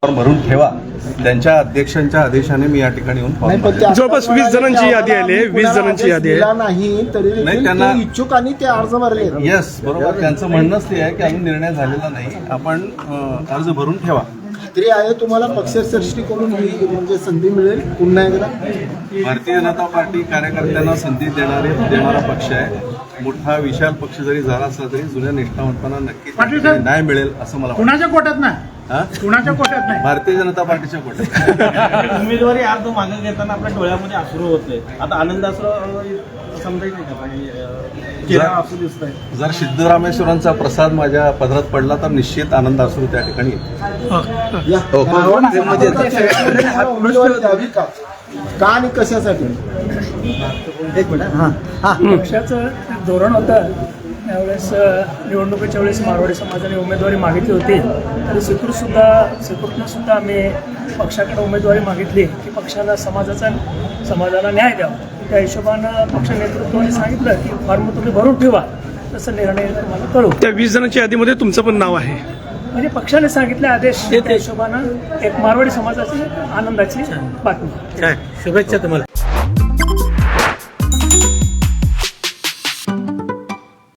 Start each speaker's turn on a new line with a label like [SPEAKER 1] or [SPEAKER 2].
[SPEAKER 1] भरून ठेवा. त्यांच्या अध्यक्षांच्या आदेशाने मी या ठिकाणी येऊन फॉर्म भरले.
[SPEAKER 2] जवळपास 20 जणांची यादी आली आहे. 20 जणांची यादी आहे.
[SPEAKER 3] नाही तरी
[SPEAKER 1] नाही, त्यांना
[SPEAKER 3] इच्छुकांनी ते अर्ज भरले.
[SPEAKER 1] येस, बरोबर. त्यांचं म्हणणंच ते आहे की अजून निर्णय झालेला नाही, आपण अर्ज भरून ठेवा.
[SPEAKER 3] खात्री आहे तुम्हाला पक्षश्रेष्ठीकडून ही म्हणजे संधी मिळेल पुन्हा एकदा.
[SPEAKER 1] भारतीय जनता पार्टी कार्यकर्त्यांना संधी देणारा पक्ष आहे. मोठा विशाल पक्ष जरी झाला असला तरी जुन्या निष्ठावंतांना नक्कीच न्याय मिळेल असं मला वाटतं.
[SPEAKER 4] कुणाच्या कोट्यात नाही, कुणाच्या कोट्यात नाही,
[SPEAKER 1] भारतीय जनता पार्टीच्या कोट्यात.
[SPEAKER 5] उमेदवारी अर्ज मागे घेताना आपल्या डोळ्यामध्ये अश्रू होते. आता आनंदाश्रू समजायचं नाही का? चेहरा असू दिसतंय.
[SPEAKER 1] जर सिद्धरामेश्वरांचा प्रसाद माझ्या पदरात पडला तर निश्चित आनंद असू त्या ठिकाणी येईल.
[SPEAKER 3] उमेदवारी द्यावी का आणि कशासाठी? एक मिनिट.
[SPEAKER 6] पक्षाचं धोरण होतं त्यावेळेस निवडणुकीच्या वेळेस मारवाडी समाजाने उमेदवारी मागितली होती. तर सेक्युरिटीनं सुद्धा आम्ही पक्षाकडे उमेदवारी मागितली की पक्षाला समाजाला न्याय द्यावा. त्या हिशोबानं पक्ष नेतृत्वाने सांगितलं की फॉर्म तुम्ही भरून ठेवा, तसं निर्णय तुम्हाला कळू.
[SPEAKER 2] त्या 20 जणांच्या यादीमध्ये तुमचं पण नाव आहे.
[SPEAKER 6] म्हणजे पक्षाने सांगितले आदेश, त्या हिशोबानं एक मारवाडी समाजाची आनंदाची बातमी.
[SPEAKER 5] शुभेच्छा तुम्हाला.